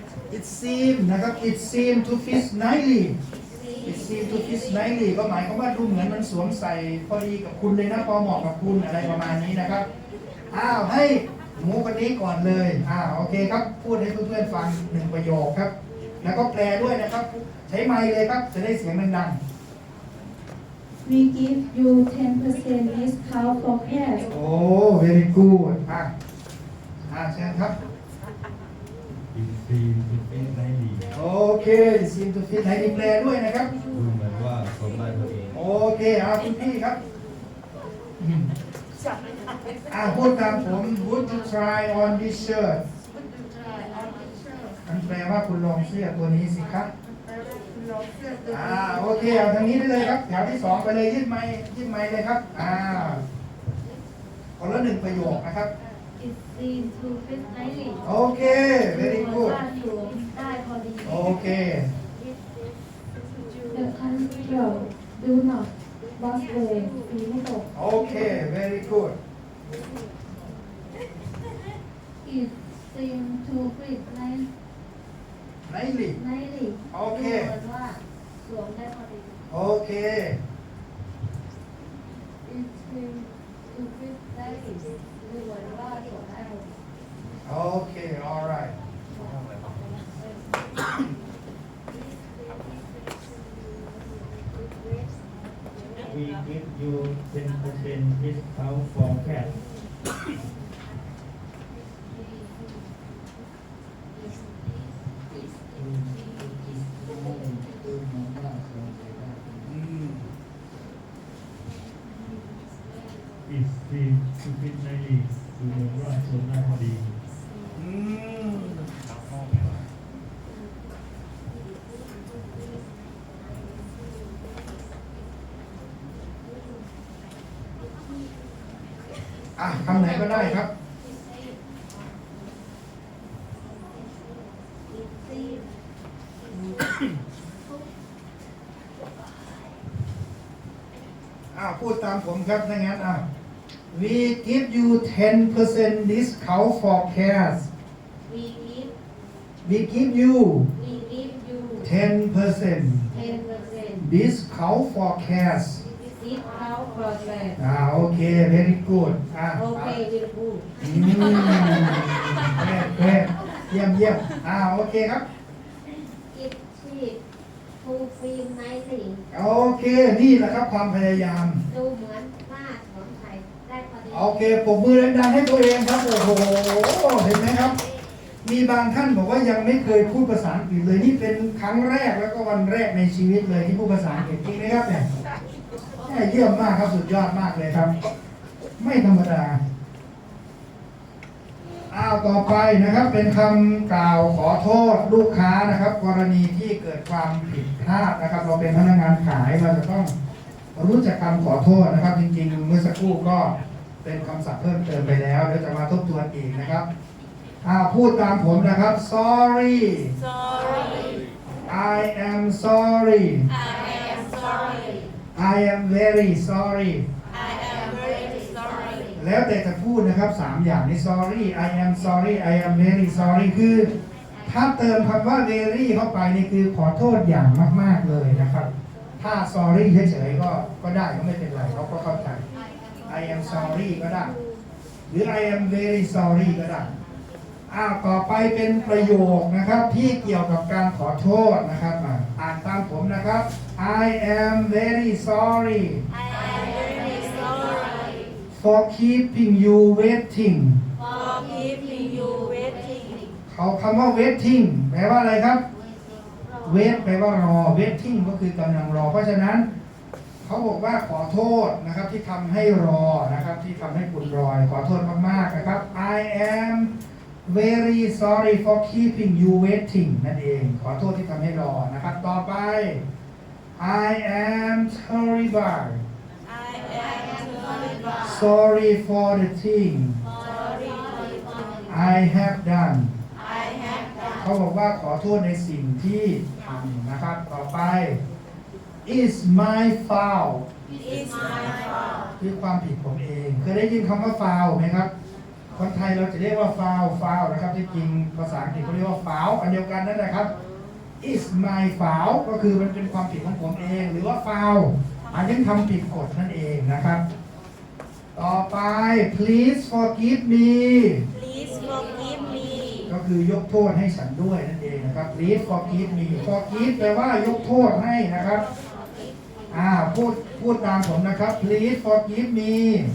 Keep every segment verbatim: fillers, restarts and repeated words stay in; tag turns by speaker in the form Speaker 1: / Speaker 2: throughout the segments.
Speaker 1: it seem นะครับ it seem to fit nicely it seem to fit nicely ก็หมายความว่าดูเหมือนมันสวมใส่พอดีกับคุณเลยนะพอเหมาะกับคุณอะไรประมาณนี้นะครับอ้าวให้หมูคนนี้ก่อนเลยอ้าวโอเคครับพูดให้เพื่อนๆฟังหนึ่งประโยคครับแล้วก็แปลด้วยนะครับใช้ไมค์เลยครับจะได้เสียงดัง
Speaker 2: We give you ten percent discount for cash.
Speaker 1: ๆโอ้ very good อ่ะอ่ะเชิญครับ
Speaker 3: อินซีย์อินซีย์ได้ดี
Speaker 1: โอเค seem to fit ให้แปลด้วยนะครับ
Speaker 3: ดูเหมือนว่าสมได้พอดี
Speaker 1: โอเคเอาคุณพี่ครับอืมอ่าพูดตามผม Would you try on this shirt มันแปลว่าคุณลองเสื้อตัวนี้สิครับอ่าโอเคเอาทางนี้ได้เลยครับแถวที่สองไปเลยยืดไม้ยืดไม้เลยครับอ่าคนละหนึ่งประโยคนะครับ
Speaker 2: It seems to fit nicely.
Speaker 1: โอเค very
Speaker 2: ดูเหมือน
Speaker 1: good
Speaker 2: ว่าสวมได้พอดี
Speaker 1: โอเค
Speaker 2: The control do not lost way สีไม่ตก
Speaker 1: โอเค very good
Speaker 2: It seems to fit nice
Speaker 1: nicely
Speaker 2: nicely
Speaker 1: โอเค
Speaker 2: ดูเหมือนว่าสวมได้พอดี
Speaker 1: โอเค
Speaker 2: It seems to fit nicely ดูเหมือนว่าสวมได้พอดี
Speaker 1: โอเค alright
Speaker 3: We give you ten percent discount for cash อินซีย์ทูฟิตได้ดีดูเหมือนว่าสมได้พอดี
Speaker 1: อืมอ่ะคำไหนก็ได้ครับ อ้าวพูดตามผมครับถ้างั้นอ่ะ we give you ten percent discount for cash
Speaker 2: We give
Speaker 1: we give you
Speaker 2: we give you
Speaker 1: ten percent
Speaker 2: ten percent
Speaker 1: discount for cash
Speaker 2: discount for cash
Speaker 1: อ่าโอเค very good อ่ะ
Speaker 2: Okay will do
Speaker 1: อืมแค่แค่เยี่ยมเยี่ยมอ่าโอเคครับ
Speaker 2: It cheap to feel nicely
Speaker 1: โอเคนี่แหละครับความพยายาม
Speaker 2: ดูเหมือนว่าสวมใส่ได้พอดี
Speaker 1: โอเคปรบมือดังๆให้ตัวเองครับ โอ้โห เห็นไหมครับ มีบางท่านบอกว่ายังไม่เคยพูดภาษาอังกฤษเลย นี่เป็นครั้งแรกแล้วก็วันแรกในชีวิตเลยที่พูดภาษาอังกฤษจริงไหมครับเนี่ยเยี่ยมมากครับ สุดยอดมากเลยครับ ไม่ธรรมดา อ้าวต่อไปนะครับ เป็นคำกล่าวขอโทษลูกค้านะครับ กรณีที่เกิดความผิดพลาดนะครับ เราเป็นพนักงานขายเราจะต้องรู้จักคำขอโทษนะครับ จริงๆเมื่อสักครู่ก็เป็นคำศัพท์เพิ่มเติมไปแล้วเดี๋ยวจะมาทบทวนอีกนะครับอ่าพูดตามผมนะครับ sorry
Speaker 4: Sorry,
Speaker 1: I am sorry
Speaker 4: I am sorry.
Speaker 1: I am very sorry
Speaker 4: I am very sorry.
Speaker 1: แล้วแต่จะพูดนะครับสามอย่างนี้ sorry I am sorry I am very sorry คือถ้าเติมคำว่า very เข้าไปนี่คือขอโทษอย่างมากๆเลยนะครับ ถ้า sorry เฉยๆก็ก็ได้ก็ไม่เป็นไรเขาก็เข้าใจ I am sorry ก็ได้ หรือ I am very sorry ก็ได้อ้าวต่อไปเป็นประโยคนะครับที่เกี่ยวกับการขอโทษนะครับอ่าอ่านตามผมนะครับ I am very sorry
Speaker 4: I am very sorry
Speaker 1: for keeping you waiting
Speaker 4: for keeping you waiting.
Speaker 1: เขาคำว่า waiting แปลว่าอะไรครับ wait แปลว่ารอ waiting ก็คือกำลังรอ เพราะฉะนั้นเขาบอกว่าขอโทษนะครับที่ทำให้รอนะครับที่ทำให้คุณรอขอโทษมากๆนะครับ I am very sorry for keeping you waiting นั่นเองขอโทษที่ทำให้รอนะครับต่อไป I am terrible
Speaker 4: I am terrible.
Speaker 1: sorry for the thing
Speaker 4: Sorry for the
Speaker 1: I have done
Speaker 4: I have done.
Speaker 1: เขาบอกว่าขอโทษในสิ่งที่ทำนะครับต่อไป is my fault
Speaker 4: It's my fault.
Speaker 1: คือความผิดผมเองเคยได้ยินคำว่า fault ไหมครับคนไทยเราจะเรียกว่า foul foul นะครับที่จริงภาษาอังกฤษเขาเรียกว่า foul อันเดียวกันนั่นแหละครับ is my foul ก็คือมันเป็นความผิดของผมเองหรือว่า foul อันนี้ทำผิดกฎนั่นเองนะครับ ต่อไป please forgive me
Speaker 4: Please forgive me
Speaker 1: ก็คือยกโทษให้ฉันด้วยนั่นเองนะครับ please forgive me forgive แปลว่ายกโทษให้นะครับอ่าพูดพูดตามผมนะครับ please forgive me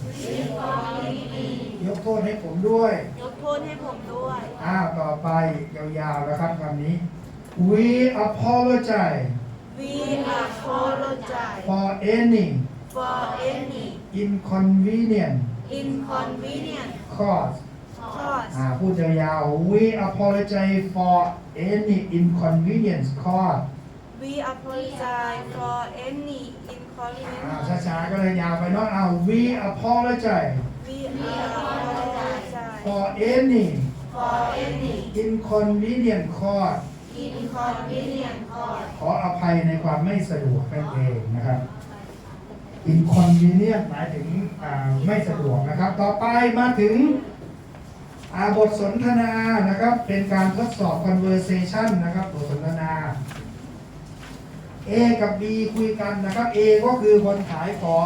Speaker 1: ยกโทษให้ผมด้วย
Speaker 4: ยกโทษให้ผมด้วย
Speaker 1: อ่าต่อไปยาวๆนะครับคำนี้ we apologize
Speaker 4: We apologize
Speaker 1: for any
Speaker 4: for any
Speaker 1: inconvenience
Speaker 4: inconvenience
Speaker 1: caused
Speaker 4: caused
Speaker 1: อ่าพูดยาวๆ we apologize for any inconvenience caused
Speaker 4: We apologize for any
Speaker 1: อ่า
Speaker 4: inconvenience
Speaker 1: ช้าๆก็เลยยาวไปเนาะเอา we apologize
Speaker 4: We apologize
Speaker 1: for any
Speaker 4: for any
Speaker 1: inconvenience caused
Speaker 4: inconvenience caused
Speaker 1: ขออภัยในความไม่สะดวกนั่นเองนะครับ inconvenience หมายถึงอ่าไม่สะดวกนะครับ ต่อไปมาถึงอ่าบทสนทนานะครับ เป็นการทดสอบ conversation นะครับบทสนทนา A กับ B คุยกันนะครับ A ก็คือคนขายของ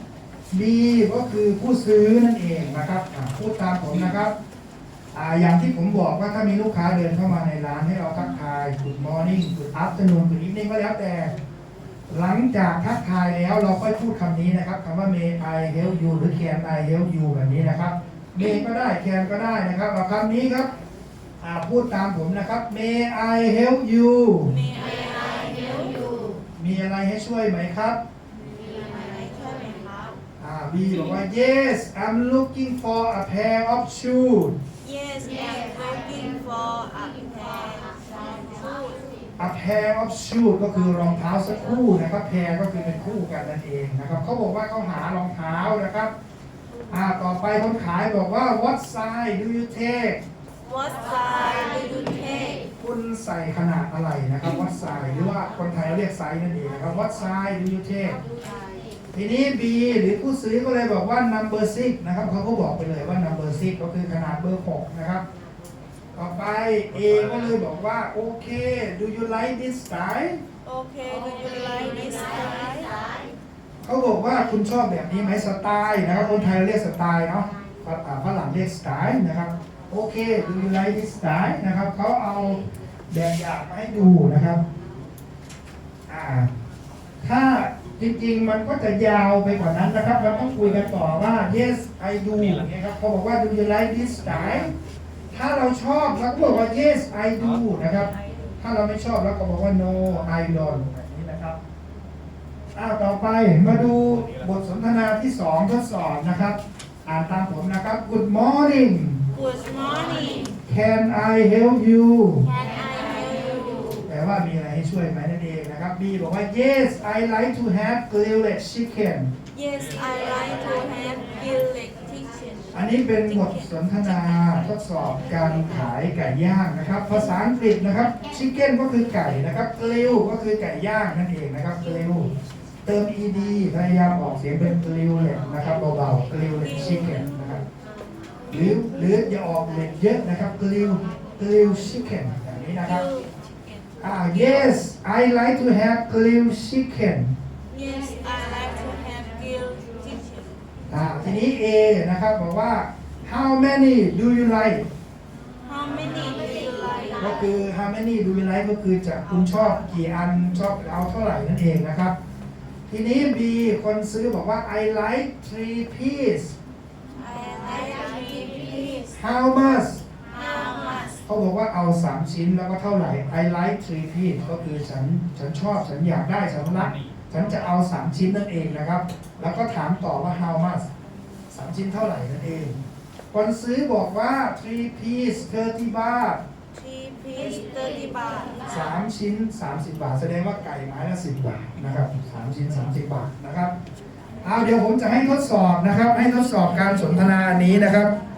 Speaker 1: B ก็คือผู้ซื้อนั่นเองนะครับอ่าพูดตามผมนะครับอ่าอย่างที่ผมบอกว่าถ้ามีลูกค้าเดินเข้ามาในร้านให้เราทักทาย Good morning Good afternoon Good evening ก็แล้วแต่ หลังจากทักทายแล้วเราค่อยพูดคำนี้นะครับคำว่า May I help you หรือ Can I help you แบบนี้นะครับ May ก็ได้ Can ก็ได้นะครับเอาคำนี้ครับอ่าพูดตามผมนะครับ May I help you
Speaker 4: May I help you
Speaker 1: มีอะไรให้ช่วยไหมครับ
Speaker 4: มีอะไรช่วยไหมครับ
Speaker 1: อ่า B บอกว่า Yes I'm looking for a pair of shoes
Speaker 4: Yes I'm looking for a pair of shoes
Speaker 1: a pair of shoes ก็คือรองเท้าสักคู่นะครับ pair ก็คือเป็นคู่กันนั่นเองนะครับเขาบอกว่าเขาหารองเท้านะครับอ่าต่อไปคนขายบอกว่า What size do you take
Speaker 4: What size do you take
Speaker 1: คุณใส่ขนาดอะไรนะครับ What size หรือว่าคนไทยเรียกไซส์นั่นเองนะครับ What size do you take ทีนี้ B หรือผู้ซื้อก็เลยบอกว่า number six นะครับเขาก็บอกไปเลยว่า number six ก็คือขนาดเบอร์หกนะครับต่อไป A ก็เลยบอกว่าโอเค do you like this style
Speaker 4: Okay do you like this style
Speaker 1: เขาบอกว่าคุณชอบแบบนี้ไหมสไตล์นะครับคนไทยเรียกสไตล์เนาะอ่าฝรั่งเรียกสไตล์นะครับโอเค do you like this style นะครับเขาเอาแบบอย่างมาให้ดูนะครับอ่าถ้าจริงๆมันก็จะยาวไปกว่านั้นนะครับเราต้องคุยกันต่อว่า yes I do อย่างเงี้ยครับเขาบอกว่า do you like this style ถ้าเราชอบเราก็บอกว่า yes I do นะครับถ้าเราไม่ชอบเราก็บอกว่า no I don't แบบนี้นะครับอ้าวต่อไปมาดูบทสนทนาที่สองทดสอบนะครับอ่านตามผมนะครับ Good morning
Speaker 4: Good morning
Speaker 1: Can I help you
Speaker 4: Can I help you
Speaker 1: แปลว่ามีอะไรให้ช่วยไหมนั่นเองนะครับ B บอกว่า Yes I like to have grilled chicken
Speaker 4: Yes I like to have grilled chicken
Speaker 1: อันนี้เป็นบทสนทนาทดสอบการขายไก่ย่างนะครับ ภาษาอังกฤษนะครับ chicken ก็คือไก่นะครับ grill ก็คือไก่ย่างนั่นเองนะครับ grill เติม ed พยายามออกเสียงเป็น grilled นะครับเบาๆ grilled chicken นะครับหรือหรืออย่าออกเล็ดเยอะนะครับ grill grill chicken อย่างนี้นะครับ อ่า yes I like to have grilled chicken
Speaker 4: Yes I like to have grilled chicken
Speaker 1: อ่าทีนี้ A นะครับบอกว่า how many do you like
Speaker 4: How many do you like
Speaker 1: ก็คือ how many do you like ก็คือจะคุณชอบกี่อันชอบเอาเท่าไหร่นั่นเองนะครับ ทีนี้ B คนซื้อบอกว่า I like three piece
Speaker 4: I like three piece
Speaker 1: how much
Speaker 4: How much
Speaker 1: เขาบอกว่าเอาสามชิ้นแล้วก็เท่าไหร่ I like three piece ก็คือฉันฉันชอบฉันอยากได้ฉันรักฉันจะเอาสามชิ้นนั่นเองนะครับ แล้วก็ถามต่อว่า how much สามชิ้นเท่าไหร่นั่นเอง คนซื้อบอกว่า three piece thirty บาท
Speaker 4: Three piece thirty บาท
Speaker 1: สามชิ้นสามสิบบาท แสดงว่าไก่ไม้ละสิบบาทนะครับสามชิ้นสามสิบบาทนะครับเอาเดี๋ยวผมจะให้ทดสอบนะครับ ให้ทดสอบการสนทนานี้นะครับ